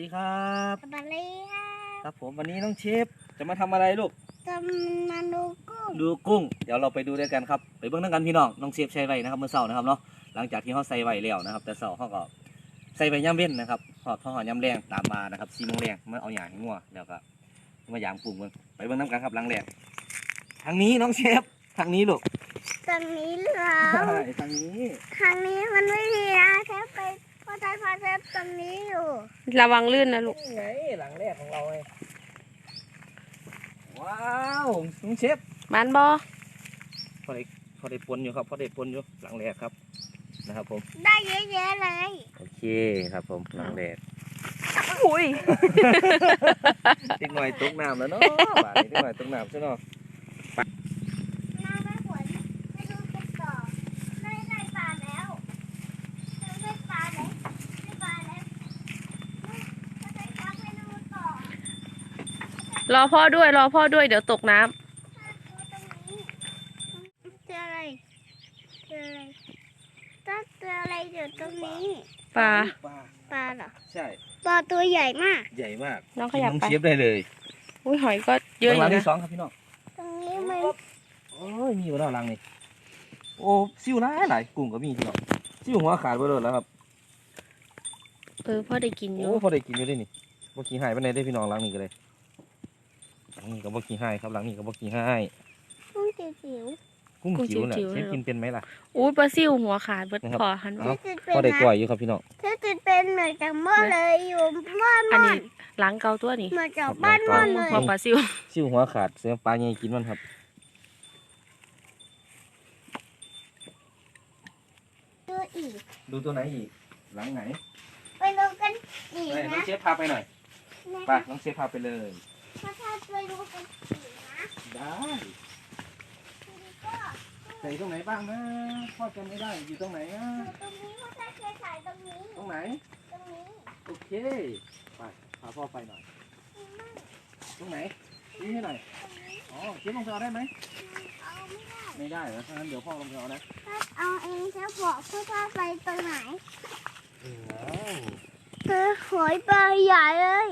ดีครับสวัสดีค่ะครับผมวันนี้น้องเชฟจะมาทำอะไรลูกจะมาดูกุ้งดูกุ้งเดี๋ยวเราไปดูด้วยกันครับไปเบิ่งด้วยกันพี่น้องน้องเชฟใส่ไว้นะครับเมื่อเช้านะครับเนาะหลังจากที่เขาใส่ไว้แล้วนะครับแต่เช้าเขาก็ใส่ไว้ย่ำเว้นนะครับหอดย่ำแรงตามมานะครับ4 โมงแรงเมื่อเอาอย่างให้งัวแล้วก็มายามกุ้งเบิ่งไปเบิ่งน้ำกันครับหลังแรกทางนี้น้องเชฟทางนี้ลูกตรงนี้เหรอทางนี้ทางนี้มันไม่ดีนะเทปไปพอใจพอเทปตรงนี้อยู่ระวังลื่นนะลูกไงหลังแรกของเราไงว้าวน้องเชฟมันบอพอได้ปนอยู่ครับพอได้ปนอยู่หลังแรกครับนะครับผมได้เยอะแยะเลยโอเคครับผมหลังแรกอุ้ยติ๊กหน่อยตกน้ำแล้วเนาะบาดนี้ติ๊กหน่อยตกน้ำใช่เนาะน้าไม่หวนไม่ดูกันต่อไม่ได้ปลาแล้วไม่ได้ปลาแล้วไม่ปลาแล้วไม่ได้ปลาไปดูต่อรอพ่อด้วยเดี๋ยวตกน้ำเจออะไรเจออะไรต้องเจออะไรอยู่ตรงนี้ปลาเหรอใช่ปลาตัวใหญ่มากใหญ่มากน้องขยับไปเชฟได้เลยอุ้ยหอยก็เยอะอยู่นะที่2ครับพี่น้องตรงนี้มันโอ้ยมีอยู่แล้วหลังนี่โอ้ซิวหลายกุ้งก็มีพี่น้องซิวหัวขาดไปเลยแล้วครับพ่อได้กินอยู่โอ้พอได้กินอยู่ด้วยนี่บ่ขี้หายไปไหนได้พี่น้องหลังนี้ก็เลยหลังนี้ก็บ่ขี้หายครับหลังนี้ก็บ่ขี้หายกุ้งจิ๋วกุ้งจิ๋วน่ะเชฟกินเป็นไหมล่ะอุ้ยปลาซิวหัวขาดเบิดพอหันพอได้กล้วยอยู่ครับพี่น้องเธอจิตเป็นเหมือนกับหม้อเลยอยู่บ้านอันม่อนี้นล้างเกาตัวนี่เหมือนกับบ้านม่อนเลยหัวปลาซิวซิวหัวขาดเสียปลาใหญ่กินมันครับดูอีกดูตัวไหนอีกหลังไหนไปดูกันอีกน้นะองเชฟพาไปหน่อยไปน้องเชฟพาไปเลยถ้าไปดูกันอีกนะได้ใส่ตรงไหนบ้างนะพ่อจำไม่ได้อยู่ตรงไหนอ่ะตรงนี้พ่อจะเคยถ่ายตรงนี้ตรงไหนตรงนี้โอเคไปพาพ่อไปหน่อยตรงไหนนี่ให้หน่อยอ๋อเชฟลงไปเอาได้ไหมเอาไม่ได้เหรอถ้างั้นเดี๋ยวพ่อลงไปเอานะเอาเองจะบอกพ่อจะไปตรงไหนเออคือหอยปลาใหญ่เลย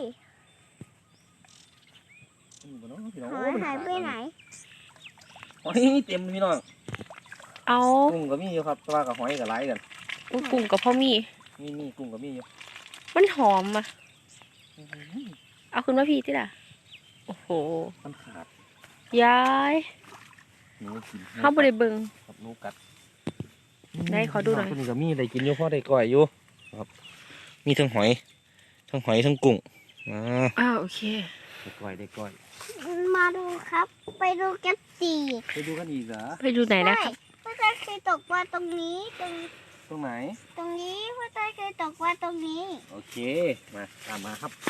หอยหายไปไหนหอยเต็มพี่น้องเอากุ้งก็มีอยู่ครับปลากับหอยกับไหลกันกุ้งกับพ่อมีกุ้งก็มีอยู่มันหอมอ่ะเอาขึ้นมาพี่ที่ล่ะโอ้โหมันขาดยายเข้าบริเบิงกับนูกัดได้ขอดูหน่อยตัวนี้ก็มีได้กินอยู่พ่อได้ก่อยอยู่ครับมีทั้งหอยทั้งกุ้งโอเคได้ก่อยมาดูครับไปดูกันอีกไปดูกันอีกเหรอไปดูไหนนะครับพ่อจะเคยตกปลาตรงนี้ตรงไหนตรงนี้พ่อจะเคยตกปลาตรงนี้โอเคมาตามมาครับ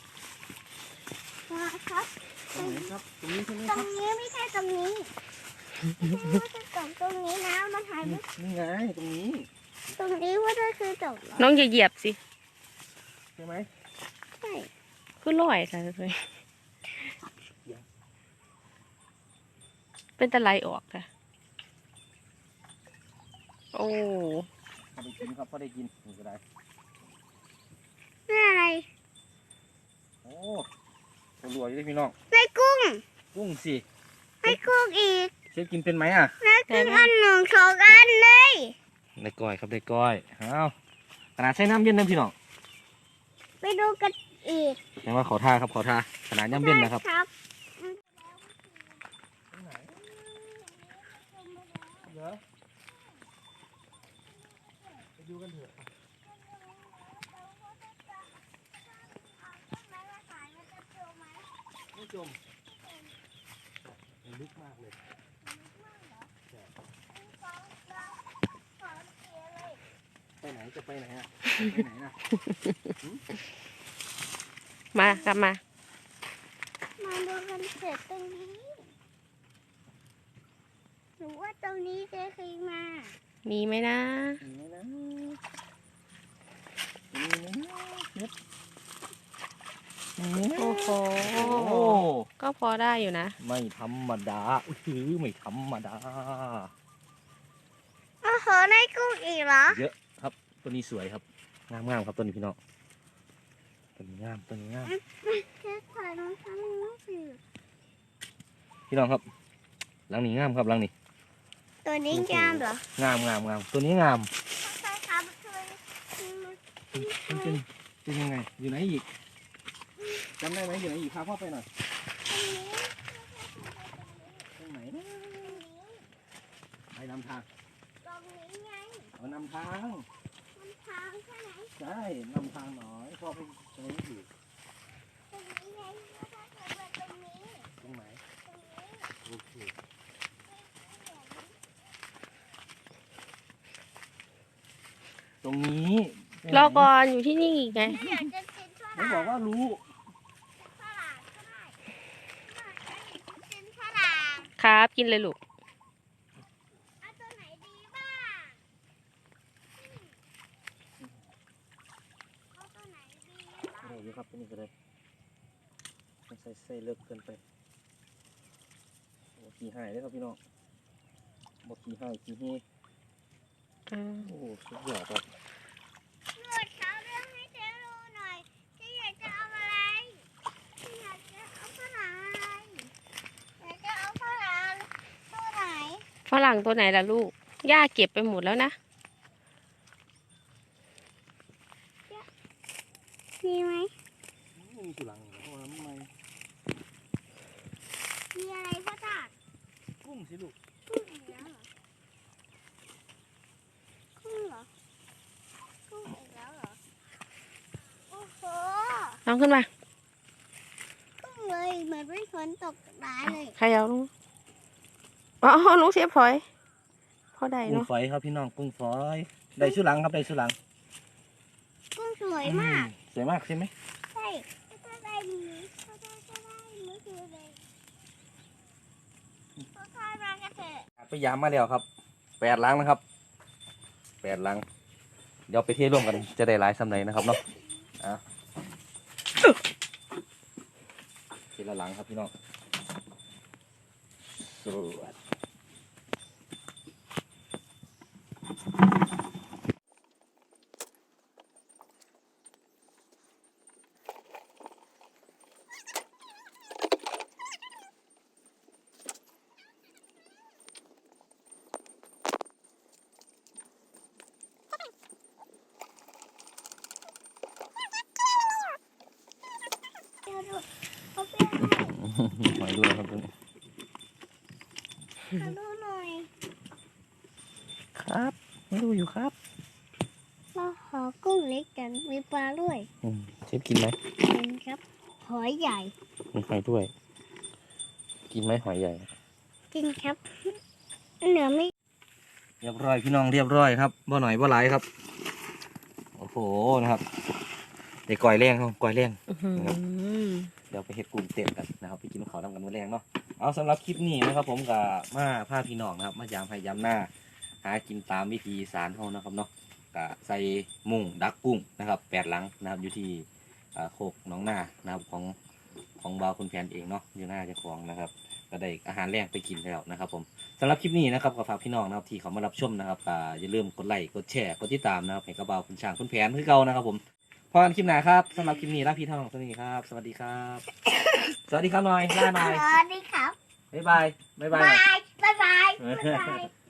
มาครับตรงไหนครับตรงนี้ใช่ไหมตรงนี้ไม่ใช่ตรงนี้พ่อจะตกตรงนี้นะมันหายไปนี่ไงตรงนี้พ่อจะเคยตกน้องอย่าเหยียบสิใช่ไหมใช่คือลอยอะไรเลยเป็นตะไลออกค่ะโอ้พอได้กินครับพอได้กินนี่ก็ได้นี่อะไรโอ้รัวอยู่ด้วยพี่น้องในกุ้งสิในกุ้งอีกเชฟกินเป็นไหมอ่ะในกุ้งอันหนึ่งสองอันเลยได้ก้อยครับได้ก้อยเอาขนาดใช้น้ำเย็นนะพี่น้องไปดูกันอีกแต่ว่าขอท่าครับขอท่าขนาดน้ำเย็นนะครับไปดูกันเถอะไม่จมมันลึกมากเลยไปไหนจะไปไหนอ่ะไปไหนนะมากลับมาดูกันเถอะตรงนี้หนูว่าตรงนี้จะเคยมามีไหมนะโอ้โหก็พอได้อยู่นะไม่ธรรมดาไม่ธรรมดาโอ้โหในกุ้งอีกเหรอเยอะครับตัวนี้สวยครับงามครับตัวนี้พี่น้องตัวนี้งามตัวนี้งามแค่ถ่ายน้องทำน้องสิพี่น้องครับหลังนี้งามครับหลังนี้ตัวนี้งามเหรองามตัวนี้งามใช่ครับเคยเป็นยังไงอยู่ไหนอีกจำได้ไหมอยู่ไหนอีกพาพ่อไปหน่อยตรงไหนนะไปนำทางตรงนี้ไงเอานำทางมันทางใช่ไหมใช่นำทางหน่อยพ่อไปตรงนี้อยู่ตรงนี้ไงแล้วถ้าเกิดว่าตรงนี้ตรงไหนตรงนี้โอเคตรงนี้รอก่อนอยู่ที่นี่อีกไงถ้าอยากจะกินฝไม่รั่งบอกว่ารู้ฝรั่งก็ได้ถ้าอยากจะกินฝรั่งครับกินเลยลูกเอาตัวไหนดีบ้างเอาตัวไหนดีบ้างได้อยู่ครับตัวนี้ก็ได้ไม่ใส่เส้เลิกเกินไปโอ้ขี้หายเลยครับพี่น้องบอกขี้หายขี้เฮโอ้สุดยอดครับหนวดเขาเรื่องให้เจ๊รู้หน่อยเจ๊อยากจะเอาอะไรเจ๊อยากจะเอาฝรั่งอะไรอยากจะเอาฝรั่งตัวไหนฝรั่งตัวไหนล่ะลูก ย่าเก็บไปหมดแล้วนะมีไหมไม่มีสุรังเพราะว่าไม่มีอะไรพ่อตากุ้งสิลูกกุ้งอีกแล้วเหรอกุ้งเหรอกุ้งอีกแล้วเหรอโอ้โหน้องขึ้นมากุ้งเลยเหมือนเป็นฝนตกร้ายเลยใครเอาลูกอ๋อลุงเสียบถอยพอได้กุ้งเนาะฝอยครับพี่น้องกุ้งฝอยได้สุรังครับได้สุรังกุ้งสวยมากสวยมากใช่ไหมใช่ก็ได้หมีก็ได้เมื่อคืนเลยก็ค่อยมากันเถอะไปยามมาแล้วครับ8 ลังนะครับ8 ลังเดี๋ยวไปเทร่วมกันจะได้หลายสำไหนนะครับเนาะทีละหลังครับพี่น้องสวัสดเดี๋ยวดูเขาเป็นอะไรหอยด้วยครับตัวนี้ขอดูหน่อยครับไม่ดูอยู่ครับเราขอกุ้งเล็กกันมีปลาด้วยเชฟกินไหมเห็นครับหอยใหญ่มีหอยด้วย กินไหมหอยใหญ่จริงครับเหนือไม่เรียบร้อยพี่น้องเรียบร้อยครับบ่หน่อยบ่หลายครับโอ้โหนะครับเด็กก่อยแรงครับก่อยแรง เดี๋ยวไปเฮ็ดกลุ่มเต้นกันนะครับไปกินข้าวทำกันมื้อแรงเนาะเอาสำหรับคลิปนี้นะครับผมกับมาพาพี่น้องนะครับมายามให้ยามหน้าหากินตามวิธีอีสานเฮานะครับเนาะก็ใส่มุ้งดักกุ้งนะครับ8 หลังนะครับอยู่ที่โคกหนองนานะครับของบ่าวคุณแผนเองเนาะอยู่หน้าเจ้าของนะครับก็ได้อาหารแรงไปกินแล้วนะครับผมสำหรับคลิปนี้นะครับก็ฝากพี่น้องนะครับที่เขามารับชมนะครับอย่าลืมกดไลค์กดแชร์กดติดตามนะครับให้กับบ่าวคุณช่างคุณแผนคือเก่านะครับผมพอกันคลิปหน้าครับสำหรับคลิปนี้ลาพี่ท่านของสวัสดีครับ สวัสดีครับ สวัสดีครับหน่อยลาหน่อยสวัสดีครับบ๊ายบายบ๊ายบายบายบายบาย